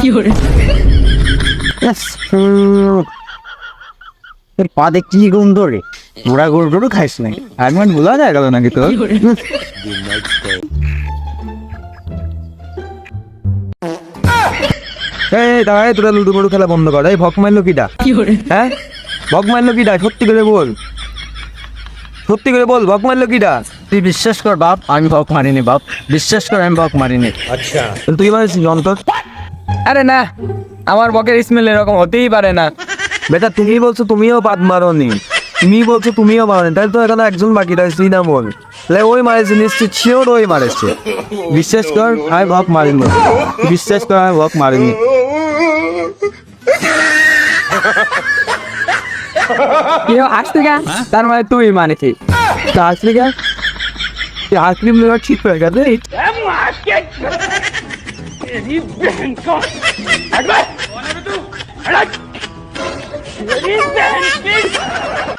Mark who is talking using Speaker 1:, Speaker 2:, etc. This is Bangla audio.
Speaker 1: পা দেখছি কি গন্ধ রে, মোড়া গরু টরু খাইস নাই, আগমান ভুলা যায় গেল নাকি তোর?
Speaker 2: দাঁড়ায় তোরা লুডু বড়ু খেলা বন্ধ কর। এই ভক মারলো কিটা? হ্যাঁ, ভক মারলো কিটা? সত্যি করে বল, সত্যি করে বল, ভক মারলো কিটা?
Speaker 1: তুই বিশ্বাস কর বাপ, আমি বক মারিনি বাপ, বিশ্বাস কর আমি বক মারিনি।
Speaker 2: তুই মারিস অন্তর?
Speaker 3: আরে না, আমার বকের স্মেল এরকম হতেই পারে না।
Speaker 2: বেটা তুমি বলছো তুমিও পাত মারোনি, তুমি বলছো তুমিও মারোনি, তাই তো এখানে একজন বাকি রয়েছে, তুই না বল। তাহলে ওই মারেছে নিশ্চিত, শিওর ওই মারেছে।
Speaker 1: বিশ্বাস কর আমি বক মারিনি, বিশ্বাস কর আমি বক মারিনি।
Speaker 3: কেউ হাসতে গা, তার মানে তুই মানেছিস।
Speaker 1: তা আসলি কেন? তুই আইসক্রিম লেবার ঠিক হয়ে গেছে।
Speaker 4: तेरी बहन का तेरी बहन की